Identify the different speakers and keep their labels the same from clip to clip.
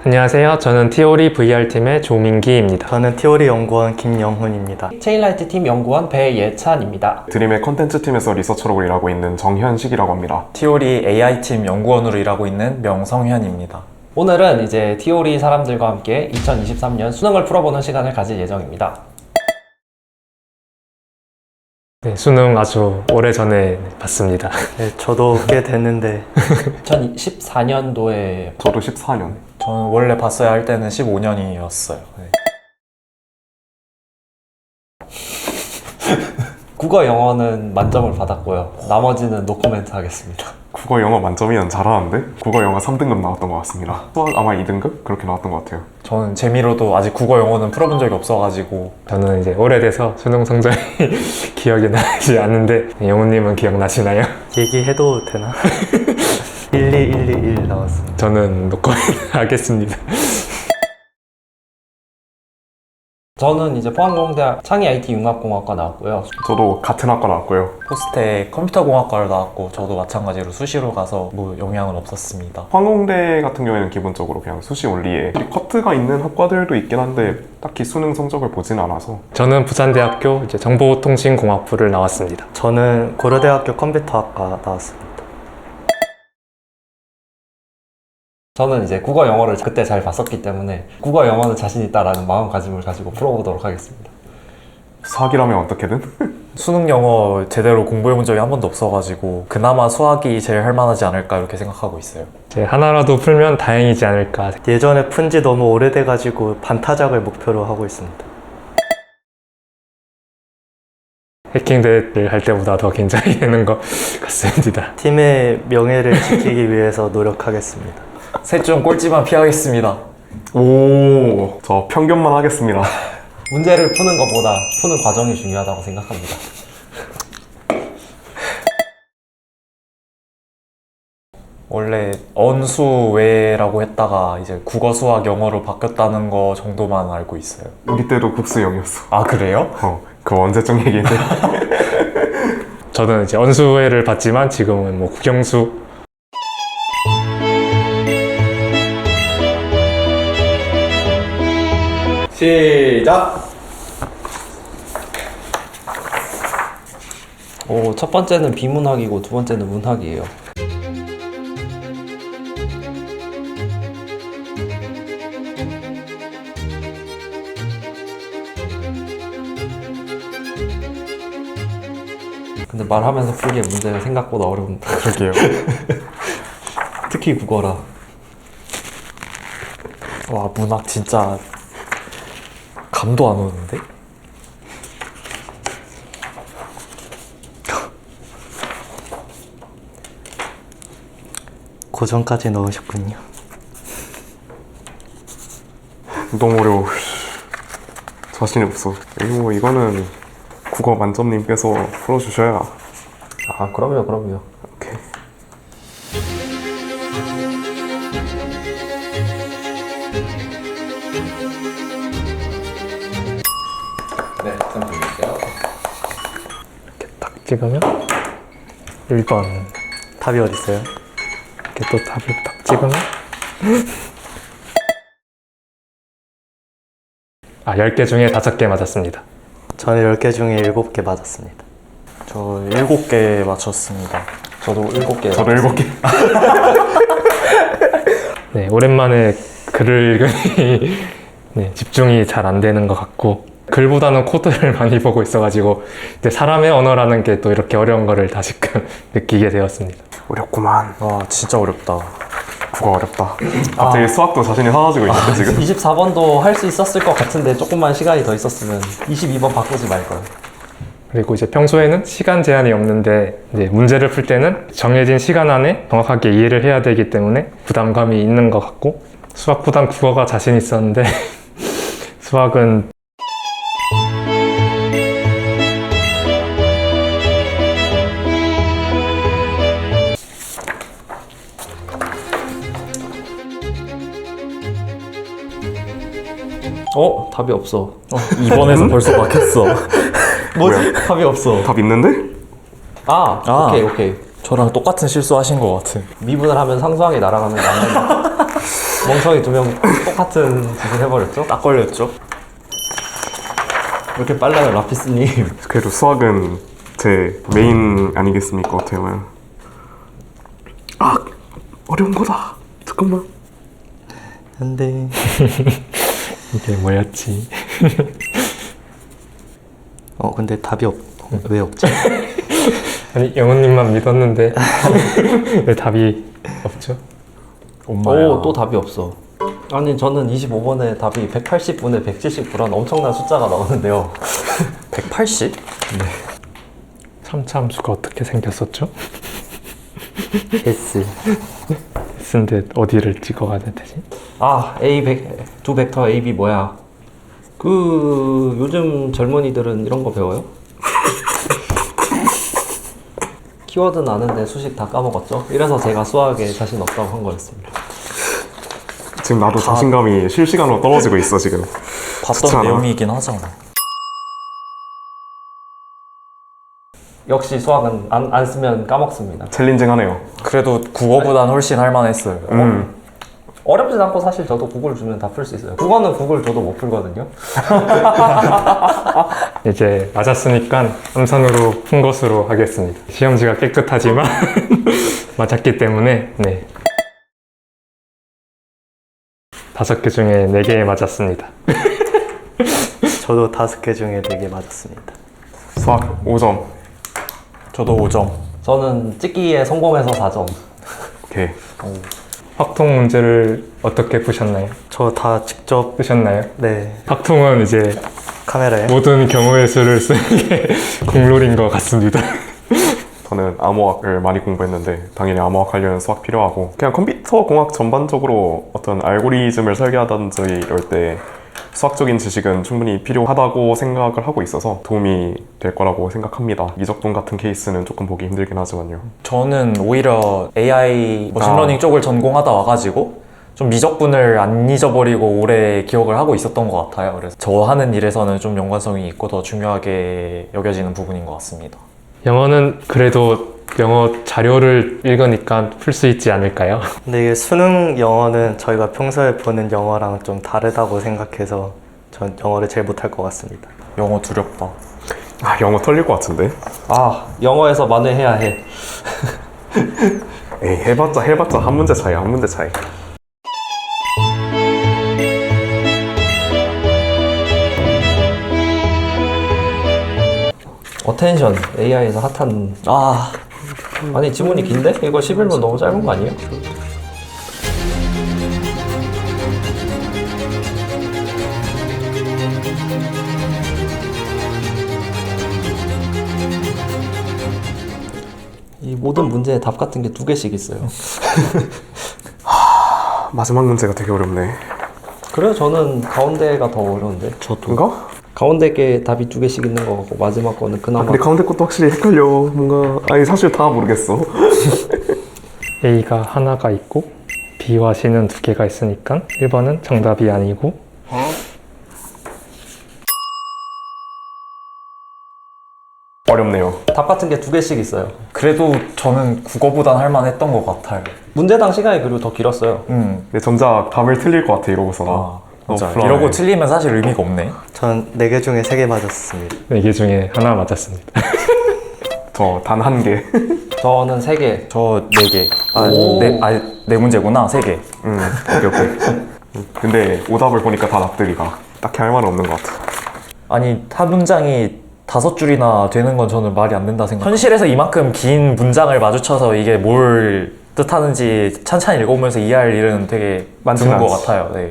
Speaker 1: 안녕하세요. 저는 티오리 VR팀의 조민기입니다.
Speaker 2: 저는 티오리 연구원 김영훈입니다.
Speaker 3: 체인라이트 팀 연구원 배예찬입니다.
Speaker 4: 드림의 컨텐츠 팀에서 리서처로 일하고 있는 정현식이라고 합니다.
Speaker 5: 티오리 AI팀 연구원으로 일하고 있는 명성현입니다.
Speaker 3: 오늘은 이제 티오리 사람들과 함께 2023년 수능을 풀어보는 시간을 가질 예정입니다.
Speaker 1: 네, 수능 아주 오래전에 봤습니다.
Speaker 2: 네, 저도 꽤 됐는데
Speaker 3: 2014년도에
Speaker 4: 저도 14년.
Speaker 5: 저는 원래 봤어야 할 때는 15년이었어요.
Speaker 3: 국어 영어는 만점을 받았고요. 나머지는 노코멘트 하겠습니다.
Speaker 4: 국어 영어 만점이면 잘하는데? 국어 영어 3등급 나왔던 것 같습니다. 수학 아마 2등급? 그렇게 나왔던 것 같아요.
Speaker 5: 저는 재미로도 아직 국어 영어는 풀어본 적이 없어가지고
Speaker 1: 저는 이제 오래돼서 수능 성적이 기억이 나지 않는데 영훈님은 기억나시나요?
Speaker 2: 얘기해도 되나? 12121 나왔습니다.
Speaker 1: 저는 노코멘트 하겠습니다.
Speaker 3: 저는 이제 포항공대학 창의 IT 융합공학과 나왔고요.
Speaker 4: 저도 같은 학과 나왔고요.
Speaker 5: 포스텍 컴퓨터공학과를 나왔고 저도 마찬가지로 수시로 가서 뭐 영향은 없었습니다.
Speaker 4: 황공대 같은 경우에는 기본적으로 그냥 수시 온리에 커트가 있는 학과들도 있긴 한데 딱히 수능 성적을 보진 않아서.
Speaker 1: 저는 부산대학교 이제 정보통신공학부를 나왔습니다.
Speaker 2: 저는 고려대학교 컴퓨터학과 나왔습니다.
Speaker 3: 저는 이제 국어 영어를 그때 잘 봤었기 때문에 국어 영어는 자신 있다라는 마음가짐을 가지고 풀어보도록 하겠습니다.
Speaker 4: 수학이라면 어떻게든?
Speaker 5: 수능 영어 제대로 공부해본 적이 한 번도 없어가지고 그나마 수학이 제일 할만하지 않을까 이렇게 생각하고 있어요.
Speaker 1: 이제 하나라도 풀면 다행이지 않을까.
Speaker 2: 예전에 푼 지 너무 오래돼가지고 반타작을 목표로 하고 있습니다.
Speaker 1: 해킹 대회를 할 때보다 더 긴장이 되는 것 같습니다.
Speaker 2: 팀의 명예를 지키기 위해서 노력하겠습니다.
Speaker 5: 셋 중 꼴찌만 피하겠습니다.
Speaker 4: 오, 저 편견만 하겠습니다.
Speaker 3: 문제를 푸는 것보다 푸는 과정이 중요하다고 생각합니다.
Speaker 5: 원래 언수외라고 했다가 이제 국어, 수학, 영어로 바뀌었다는 거 정도만 알고 있어요.
Speaker 4: 우리 때도 국수 0이었어.
Speaker 5: 아 그래요?
Speaker 4: 그거 언제적 얘기인데.
Speaker 1: 저는 이제 언수회를 봤지만 지금은 뭐 국영수
Speaker 3: 시작! 첫 번째는 비문학이고 두 번째는 문학이에요. 근데 말하면서 풀기에 문제가 생각보다 어려운데.
Speaker 4: 그러게요.
Speaker 3: 특히 국어라.
Speaker 5: 와 문학 진짜 감도 안 오는데?
Speaker 2: 고전까지 넣으셨군요.
Speaker 4: 너무 어려워. 자신이 없어. 이거는 국어 만점님께서 풀어주셔야.
Speaker 3: 아, 그럼요.
Speaker 4: 오케이.
Speaker 3: 네, 좀 볼게요.
Speaker 1: 이렇게 딱 찍으면 1번
Speaker 2: 답이 어딨어요?
Speaker 1: 이렇게 또 답을 딱 찍으면 10개 중에 5개 맞았습니다.
Speaker 2: 저는 10개 중에 7개 맞았습니다.
Speaker 5: 저 7개 맞췄습니다. 저도 7개.
Speaker 4: 저도 7개.
Speaker 1: 네, 오랜만에 글을 읽으니 네, 집중이 잘 안 되는 것 같고 글보다는 코드를 많이 보고 있어가지고 이제 사람의 언어라는 게 또 이렇게 어려운 거를 다시금 느끼게 되었습니다.
Speaker 4: 어렵구만.
Speaker 5: 와 진짜 어렵다.
Speaker 4: 국어 어렵다. 갑자기 수학도 자신이 사라지고 있는데 지금.
Speaker 3: 24번도 할 수 있었을 것 같은데 조금만 시간이 더 있었으면 22번 바꾸지 말걸.
Speaker 1: 그리고 이제 평소에는 시간 제한이 없는데 이제 문제를 풀 때는 정해진 시간 안에 정확하게 이해를 해야 되기 때문에 부담감이 있는 것 같고 수학보단 국어가 자신 있었는데 수학은
Speaker 3: 답이 없어.
Speaker 5: 2번에서 벌써 막혔어.
Speaker 3: 뭐지? 답이 없어.
Speaker 4: 답 있는데?
Speaker 3: 오케이.
Speaker 5: 저랑 똑같은 실수 하신 것 같은.
Speaker 3: 미분을 하면 상수항이 날아가는 거 아니야? 멍청이 두 명 똑같은 짓을 해버렸죠?
Speaker 5: 딱 걸렸죠?
Speaker 3: 왜 이렇게 빨라요, 라피스님?
Speaker 4: 그래도 수학은 제 메인 아니겠습니까, 어떻게 보면. 아, 어려운 거다. 잠깐만.
Speaker 2: 안돼.
Speaker 1: 이게 뭐였지?
Speaker 2: 근데 답이 왜 없지?
Speaker 1: 아니 영호님만 믿었는데 왜 답이 없죠?
Speaker 3: 오, 또 답이 없어. 아니, 저는 25번에 답이 180분에 179란 엄청난 숫자가 나오는데요.
Speaker 5: 180?
Speaker 1: 참수가 어떻게 생겼었죠?
Speaker 2: S.
Speaker 1: S인데 어디를 찍어가야 되지?
Speaker 3: 아, 두 벡터 A, B 뭐야? 요즘 젊은이들은 이런 거 배워요? 키워드는 아는데 수식 다 까먹었죠? 이래서 제가 수학에 자신 없다고 한 거였습니다.
Speaker 4: 지금 나도 자신감이 실시간으로 떨어지고 있어, 지금.
Speaker 5: 봤던
Speaker 4: 좋잖아.
Speaker 5: 내용이긴 하잖아.
Speaker 3: 역시 수학은 안 쓰면 까먹습니다.
Speaker 4: 챌린징하네요.
Speaker 5: 그래도 국어보단 훨씬 할만했어요.
Speaker 3: 어렵진 않고 사실 저도 구글 주면 다 풀 수 있어요. 국어는 구글 줘도 못 풀거든요.
Speaker 1: 이제 맞았으니까 음선으로 푼 것으로 하겠습니다. 시험지가 깨끗하지만 맞았기 때문에 네. 5개 중에 4개 맞았습니다.
Speaker 2: 저도 5개 중에 4개 맞았습니다.
Speaker 4: 수학 5점.
Speaker 5: 저도 5점.
Speaker 3: 저는 찍기에 성공해서 4점.
Speaker 4: 오케이.
Speaker 1: 확통 문제를 어떻게 푸셨나요?
Speaker 2: 저 다 직접
Speaker 1: 쓰셨나요?
Speaker 2: 네
Speaker 1: 확통은 이제
Speaker 2: 카메라에
Speaker 1: 모든 경우의 수를 쓰는 게 국룰인 것 같습니다.
Speaker 4: 저는 암호학을 많이 공부했는데 당연히 암호학 하려면 수학 필요하고 그냥 컴퓨터 공학 전반적으로 어떤 알고리즘을 설계하든지 이럴 때 수학적인 지식은 충분히 필요하다고 생각을 하고 있어서 도움이 될 거라고 생각합니다. 미적분 같은 케이스는 조금 보기 힘들긴 하지만요.
Speaker 5: 저는 오히려 AI 머신러닝 쪽을 전공하다 와가지고 좀 미적분을 안 잊어버리고 오래 기억을 하고 있었던 것 같아요. 그래서 저 하는 일에서는 좀 연관성이 있고 더 중요하게 여겨지는 부분인 것 같습니다.
Speaker 1: 영어는 그래도 영어 자료를 읽으니까 풀 수 있지 않을까요?
Speaker 2: 근데 이게 수능 영어는 저희가 평소에 보는 영어랑 좀 다르다고 생각해서 전 영어를 제일 못할 것 같습니다.
Speaker 5: 영어 두렵다.
Speaker 4: 아, 영어 털릴 것 같은데?
Speaker 3: 아, 영어에서 만회해야 해.
Speaker 4: 에이, 해봤자 한 문제 차이야, 한 문제 차이.
Speaker 3: 어텐션, AI에서 핫한. 아니, 지문이 긴데? 이거 11분 너무 짧은 거 아니에요? 이 모든 문제의 답 같은 게 2개씩 있어요.
Speaker 4: 마지막 문제가 되게 어렵네.
Speaker 3: 그래요? 저는 가운데가 더 어려운데.
Speaker 4: 뭔가?
Speaker 3: 가운데 게 답이 2개씩 있는 거 같고 마지막 거는 그나마.
Speaker 4: 근데 가운데 것도 확실히 헷갈려. 뭔가 아니 사실 다 모르겠어.
Speaker 1: A가 하나가 있고 B와 C는 2개가 있으니까 1번은 정답이 아니고
Speaker 4: 어렵네요.
Speaker 3: 답 같은 게 2개씩 있어요.
Speaker 5: 그래도 저는 국어보단 할만했던 것 같아요.
Speaker 3: 문제당 시간이 그리고 더 길었어요.
Speaker 4: 근데 정작 답을 틀릴 것 같아 이러고서나.
Speaker 5: 진짜
Speaker 4: 불안해.
Speaker 5: 이러고 틀리면 사실 의미가 없네.
Speaker 2: 전 4개 중에 3개 맞았습니다.
Speaker 1: 4개 중에 하나 맞았습니다.
Speaker 4: 저 단 1개.
Speaker 3: 저는 3개.
Speaker 5: 저 4개. 네 문제구나. 3개.
Speaker 4: 오케이. 근데 오답을 보니까 다 납득이 가. 딱히 할 말은 없는 것 같아.
Speaker 5: 아니 한 문장이 5줄이나 되는 건 저는 말이 안 된다 생각. 현실에서 이만큼 긴 문장을 마주쳐서 이게 뭘 뜻하는지 찬찬히 읽어보면서 이해할 일은 되게
Speaker 4: 많지는
Speaker 5: 드문 것
Speaker 4: 않지.
Speaker 5: 같아요. 네.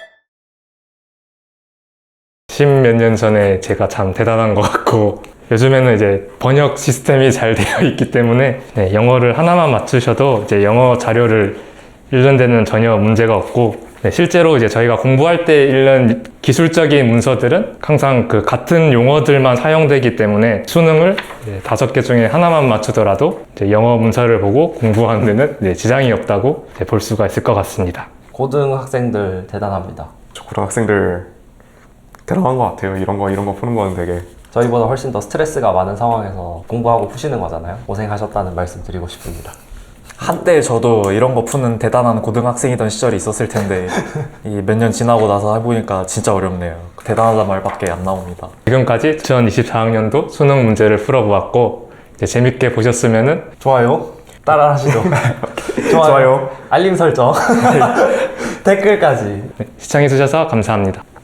Speaker 1: 10몇 년 전에 제가 참 대단한 것 같고 요즘에는 이제 번역 시스템이 잘 되어 있기 때문에 네, 영어를 하나만 맞추셔도 이제 영어 자료를 읽는 데는 전혀 문제가 없고 네, 실제로 이제 저희가 공부할 때 읽는 기술적인 문서들은 항상 그 같은 용어들만 사용되기 때문에 수능을 5개 중에 하나만 맞추더라도 이제 영어 문서를 보고 공부하는 데는 네, 지장이 없다고 볼 수가 있을 것 같습니다.
Speaker 3: 고등학생들 대단합니다.
Speaker 4: 저 고등학생들 대단한 것 같아요. 이런 거 푸는 거는 되게.
Speaker 3: 저희보다 훨씬 더 스트레스가 많은 상황에서 공부하고 푸시는 거잖아요. 고생하셨다는 말씀 드리고 싶습니다.
Speaker 5: 한때 저도 이런 거 푸는 대단한 고등학생이던 시절이 있었을 텐데 이 몇 년 지나고 나서 해보니까 진짜 어렵네요. 대단하단 말밖에 안 나옵니다.
Speaker 1: 지금까지 2024학년도 수능 문제를 풀어보았고 이제 재밌게 보셨으면은
Speaker 3: 좋아요. 따라 하시죠.
Speaker 4: 좋아요.
Speaker 3: 알림 설정. 댓글까지.
Speaker 1: 시청해주셔서 감사합니다.